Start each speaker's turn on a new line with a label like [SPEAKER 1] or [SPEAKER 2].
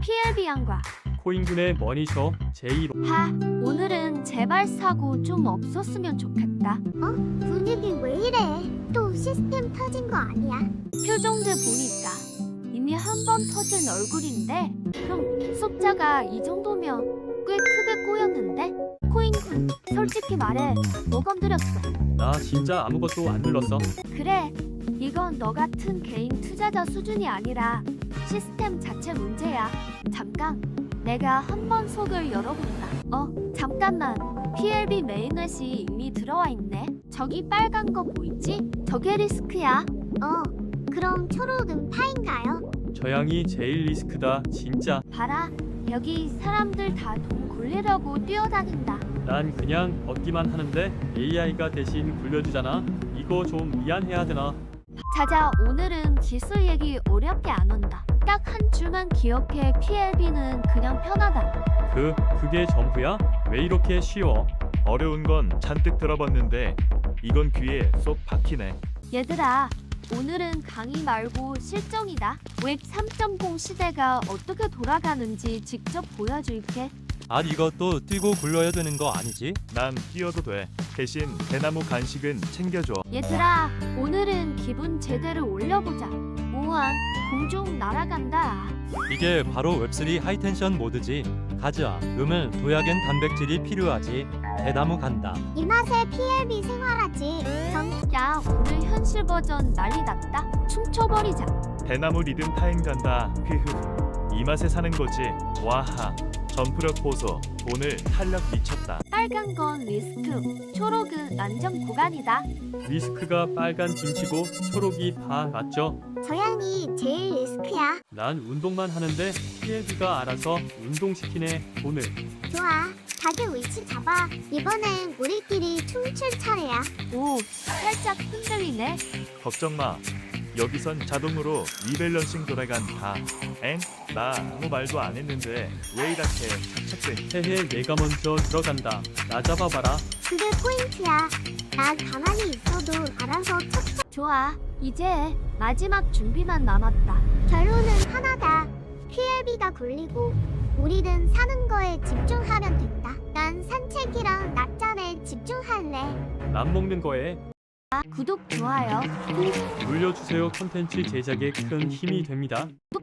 [SPEAKER 1] PLB 양과
[SPEAKER 2] 코인군의 머니쇼 제1호.
[SPEAKER 1] 오늘은 제발 사고 좀 없었으면 좋겠다.
[SPEAKER 3] 분위기 왜 이래? 또 시스템 터진 거 아니야?
[SPEAKER 1] 표정들 보니까 이미 한 번 터진 얼굴인데 그럼 숫자가 이 정도면 꽤 크게 꼬였는데? 코인군 솔직히 말해 뭐 건드렸어?
[SPEAKER 2] 나 진짜 아무것도 안 눌렀어.
[SPEAKER 1] 그래 이건 너 같은 개인 투자자 수준이 아니라 시스템 자체 문제야. 잠깐 내가 한번 속을 열어본다. 잠깐만 PLB 메인넷이 이미 들어와 있네. 저기 빨간 거 보이지? 저게 리스크야.
[SPEAKER 3] 그럼 초록은 파인가요?
[SPEAKER 2] 저 양이 제일 리스크다 진짜.
[SPEAKER 1] 봐라 여기 사람들 다 돈 굴리려고 뛰어다닌다.
[SPEAKER 2] 난 그냥 얻기만 하는데 AI가 대신 굴려주잖아. 이거 좀 미안해야 되나?
[SPEAKER 1] 자자 오늘은 기술 얘기 어렵게 안 한다. 딱 한 줄만 기억해. PLB는 그냥 편하다.
[SPEAKER 2] 그게 전부야? 왜 이렇게 쉬워?
[SPEAKER 4] 어려운 건 잔뜩 들어봤는데 이건 귀에 쏙 박히네.
[SPEAKER 1] 얘들아 오늘은 강의 말고 실정이다. 웹 3.0 시대가 어떻게 돌아가는지 직접 보여줄게.
[SPEAKER 5] 아니 이것도 뛰고 굴러야 되는 거 아니지?
[SPEAKER 4] 난 뛰어도 돼. 대신 대나무 간식은 챙겨줘.
[SPEAKER 1] 얘들아 오늘은 기분 제대로 올려보자. 우와 공중 날아간다.
[SPEAKER 5] 이게 바로 웹3 하이텐션 모드지. 가자. 음을 도약엔 단백질이 필요하지. 대나무 간다.
[SPEAKER 3] 이 맛에 PLB 생활하지.
[SPEAKER 1] 야 오늘 현실 버전 난리 났다. 춤춰버리자.
[SPEAKER 4] 대나무 리듬 타임 간다. 휘흐. 이 맛에 사는 거지. 와하. 점프력 보소. 오늘 탄력 미쳤다.
[SPEAKER 1] 빨간 건 리스크, 초록은 안전 구간이다.
[SPEAKER 2] 리스크가 빨간 김치고 초록이 파 맞죠?
[SPEAKER 3] 저 양이 제일 리스크야.
[SPEAKER 2] 난 운동만 하는데 PLB가 알아서 운동시키네 돈을.
[SPEAKER 3] 좋아. 다들 위치 잡아. 이번엔 우리끼리 춤출 차례야.
[SPEAKER 1] 오 살짝 흔들리네.
[SPEAKER 4] 걱정 마. 여기선 자동으로 리밸런싱 돌아간다. 엥? 나 아무 말도 안 했는데 왜 이렇게 착착대?
[SPEAKER 2] 헤헤 내가 먼저 들어간다. 나 잡아봐라.
[SPEAKER 3] 그게 포인트야. 난 가만히 있어도 알아서 척척.
[SPEAKER 1] 좋아 이제 마지막 준비만 남았다.
[SPEAKER 3] 결론은 하나다. PLB가 굴리고 우리는 사는 거에 집중하면 된다. 난 산책이랑 낮잠에 집중할래.
[SPEAKER 2] 남 먹는 거에
[SPEAKER 1] 구독 좋아요 꾹
[SPEAKER 2] 눌려주세요. 콘텐츠 제작에 큰 힘이 됩니다.